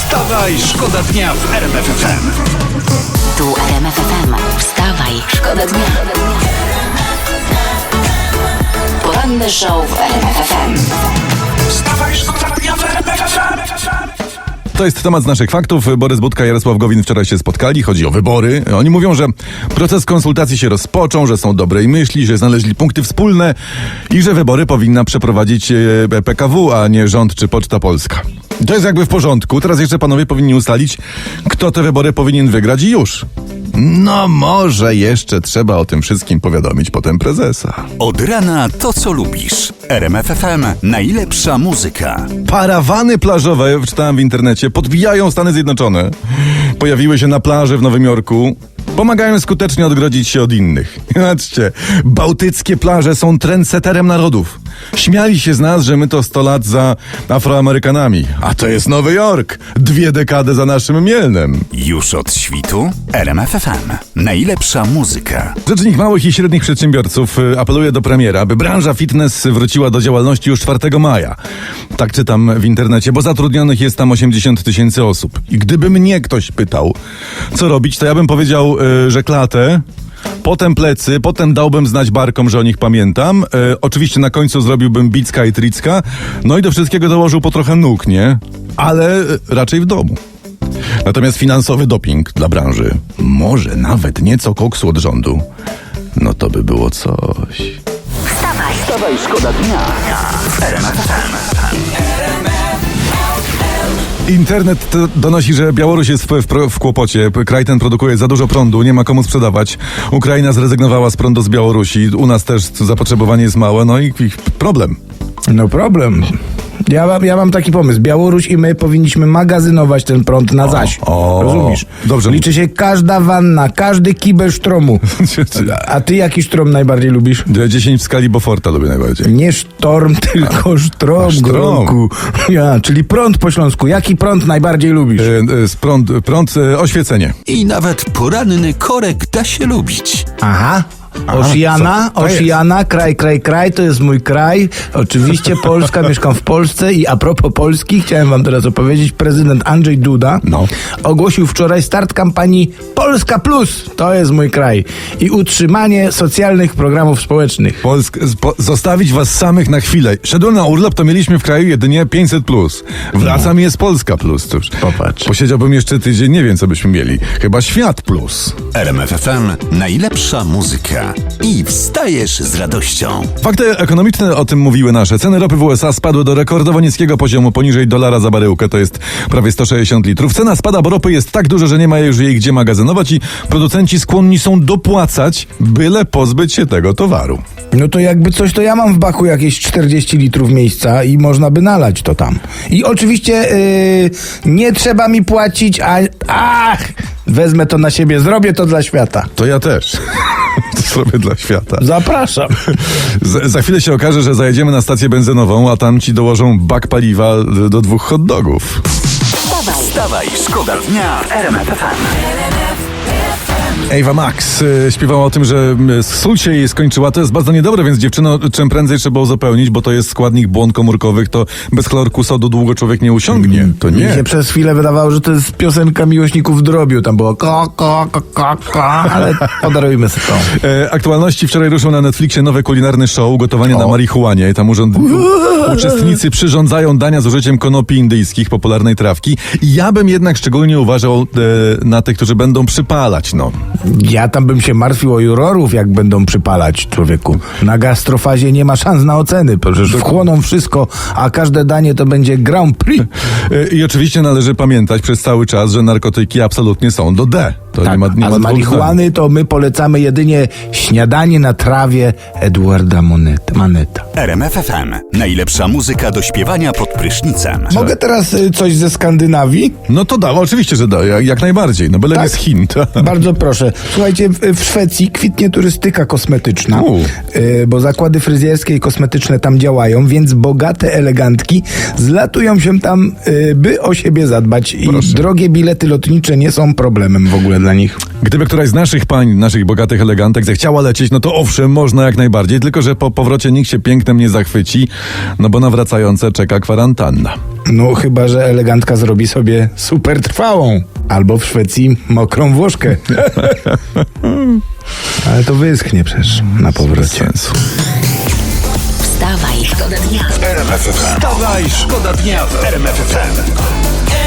Wstawaj, szkoda dnia w RMF FM. Tu RMF FM. Wstawaj, szkoda dnia. Poranny show w RMF FM. Wstawaj, szkoda dnia w RMF FM. To jest temat z naszych faktów. Borys Budka i Jarosław Gowin wczoraj się spotkali. Chodzi o wybory. Oni mówią, że proces konsultacji się rozpoczął, że są dobrej myśli, że znaleźli punkty wspólne i że wybory powinna przeprowadzić PKW, a nie rząd czy Poczta Polska. To jest jakby w porządku. Teraz jeszcze panowie powinni ustalić, kto te wybory powinien wygrać i już. No może jeszcze trzeba o tym wszystkim powiadomić potem prezesa. Od rana to, co lubisz. RMF FM. Najlepsza muzyka. Parawany plażowe, czytałem w internecie, podbijają Stany Zjednoczone. Pojawiły się na plaży w Nowym Jorku. Pomagają skutecznie odgrodzić się od innych. Patrzcie, bałtyckie plaże są trendseterem narodów. Śmiali się z nas, że my to 100 lat za Afroamerykanami. A to jest Nowy Jork. 2 dekady za naszym Mielnem. Już od świtu. RMF FM. Najlepsza muzyka. Rzecznik małych i średnich przedsiębiorców apeluje do premiera, by branża fitness wróciła do działalności już 4 maja. Tak czytam w internecie, bo zatrudnionych jest tam 80 000 osób. I gdyby mnie ktoś pytał, co robić, to ja bym powiedział, że klatę, potem plecy, potem dałbym znać barkom, że o nich pamiętam. Oczywiście na końcu zrobiłbym bicka i tricka, no i do wszystkiego dołożył po trochę nóg, nie? Ale raczej w domu. Natomiast finansowy doping dla branży, może nawet nieco koksu od rządu, no to by było coś. Wstawaj, szkoda dnia w RMF FM. Internet donosi, że Białoruś jest w kłopocie. Kraj ten produkuje za dużo prądu, nie ma komu sprzedawać. Ukraina zrezygnowała z prądu z Białorusi. U nas też zapotrzebowanie jest małe, no i problem. No problem. Ja mam taki pomysł. Białoruś i my powinniśmy magazynować ten prąd na zaś. Rozumiesz? Dobrze. Liczy się każda wanna, każdy kibel sztromu. A ty jaki sztrom najbardziej lubisz? 10 w skali Beauforta lubię najbardziej. Nie sztorm, tylko sztrom, sztrom. Gronku. Ja, czyli prąd po śląsku. Jaki prąd najbardziej lubisz? Prąd, oświecenie. I nawet poranny korek da się lubić. Aha. Oceana, kraj, to jest mój kraj. Oczywiście Polska, mieszkam w Polsce i a propos Polski, chciałem wam teraz opowiedzieć, prezydent Andrzej Duda ogłosił wczoraj start kampanii Polska Plus, to jest mój kraj i utrzymanie socjalnych programów społecznych. Zostawić was samych na chwilę. Szedłem na urlop, to mieliśmy w kraju jedynie 500+. Wracam i jest Polska Plus. Cóż, Popatrz. posiedziałbym jeszcze tydzień, nie wiem co byśmy mieli. Chyba Świat Plus. RMF FM. Najlepsza muzyka. I wstajesz z radością. Fakty ekonomiczne o tym mówiły nasze. Ceny ropy w USA spadły do rekordowo niskiego poziomu, poniżej $1 za baryłkę, to jest prawie 160 litrów. Cena spada, bo ropy jest tak duża, że nie ma już jej gdzie magazynować i producenci skłonni są dopłacać, byle pozbyć się tego towaru. No to jakby coś, to ja mam w baku jakieś 40 litrów miejsca i można by nalać to tam. I oczywiście nie trzeba mi płacić, wezmę to na siebie, zrobię to dla świata. To ja też. To zrobię dla świata. Zapraszam. Za chwilę się okaże, że zajedziemy na stację benzynową, a tam ci dołożą bak paliwa do 2 hot dogów. Wstawaj, szkoda dnia w RMF FM. Ava Max śpiewała o tym, że sól się jej skończyła. To jest bardzo niedobre, więc dziewczyno, czym prędzej trzeba uzupełnić, bo to jest składnik błon komórkowych, to bez chlorku sodu długo człowiek nie usiągnie. To Mi nie. się przez chwilę wydawało, że to jest piosenka miłośników drobiu. Tam było ale podarujmy sobie to. Aktualności. Wczoraj ruszył na Netflixie nowy kulinarny show Gotowanie na marihuanie. Tam uczestnicy przyrządzają dania z użyciem konopi indyjskich, popularnej trawki. I ja bym jednak szczególnie uważał na tych, którzy będą przypalać, no. Ja tam bym się martwił o jurorów, jak będą przypalać, człowieku. Na gastrofazie nie ma szans na oceny, przecież wchłoną wszystko, a każde danie to będzie Grand Prix. I oczywiście należy pamiętać przez cały czas, że narkotyki absolutnie są do D. To Tak, nie ma a z dwóch marihuany to my polecamy jedynie śniadanie na trawie Edwarda Maneta. RMF FM. Najlepsza muzyka do śpiewania pod prysznicem. Mogę teraz coś ze Skandynawii? No to da, oczywiście, że da, jak najbardziej. No byle Tak. nie z Chin. Bardzo proszę. Słuchajcie, w Szwecji kwitnie turystyka kosmetyczna, bo zakłady fryzjerskie i kosmetyczne tam działają, więc bogate elegantki zlatują się tam, by o siebie zadbać. I drogie bilety lotnicze nie są problemem w ogóle dla dla nich. Gdyby któraś z naszych pań, naszych bogatych elegantek zechciała lecieć, no to owszem, można jak najbardziej, tylko że po powrocie nikt się pięknem nie zachwyci, no bo na wracające czeka kwarantanna. No chyba, że elegantka zrobi sobie super trwałą. Albo w Szwecji mokrą Włoszkę. Ale to wyschnie przecież na Bez powrocie. sensu. Wstawaj, szkoda dnia. Wstawaj, szkoda dnia w RMF FM.